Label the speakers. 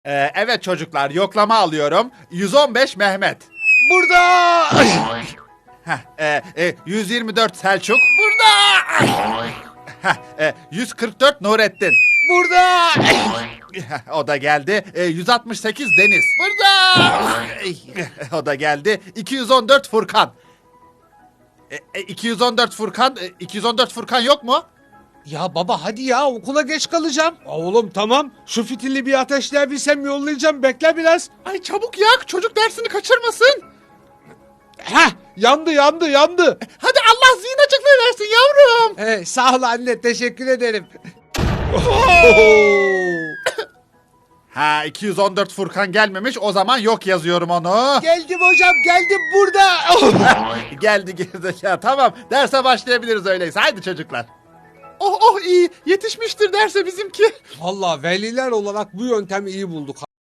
Speaker 1: Evet çocuklar, yoklama alıyorum. 115 Mehmet.
Speaker 2: Burada.
Speaker 1: 124 Selçuk. Burada. 144 Nurettin.
Speaker 2: Burada.
Speaker 1: O da geldi. 168 Deniz. Burada. O da geldi. 214 Furkan. 214 Furkan. 214 Furkan yok mu?
Speaker 2: Ya baba hadi ya, okula geç kalacağım. Oğlum tamam, şu fitili bir ateşleyebilsem yollayacağım, bekle biraz.
Speaker 1: Ay çabuk yak, çocuk dersini kaçırmasın.
Speaker 2: Heh, yandı.
Speaker 1: Hadi Allah zihin açıklığı versin yavrum.
Speaker 2: Sağ ol anne, teşekkür ederim.
Speaker 1: 214 Furkan gelmemiş, o zaman yok yazıyorum onu.
Speaker 2: Geldim hocam, geldim burada.
Speaker 1: Geldi gerizekalı. Tamam, derse başlayabiliriz öyleyse. Haydi çocuklar. Oh iyi, yetişmiştir derse bizimki.
Speaker 2: Vallahi veliler olarak bu yöntemi iyi bulduk.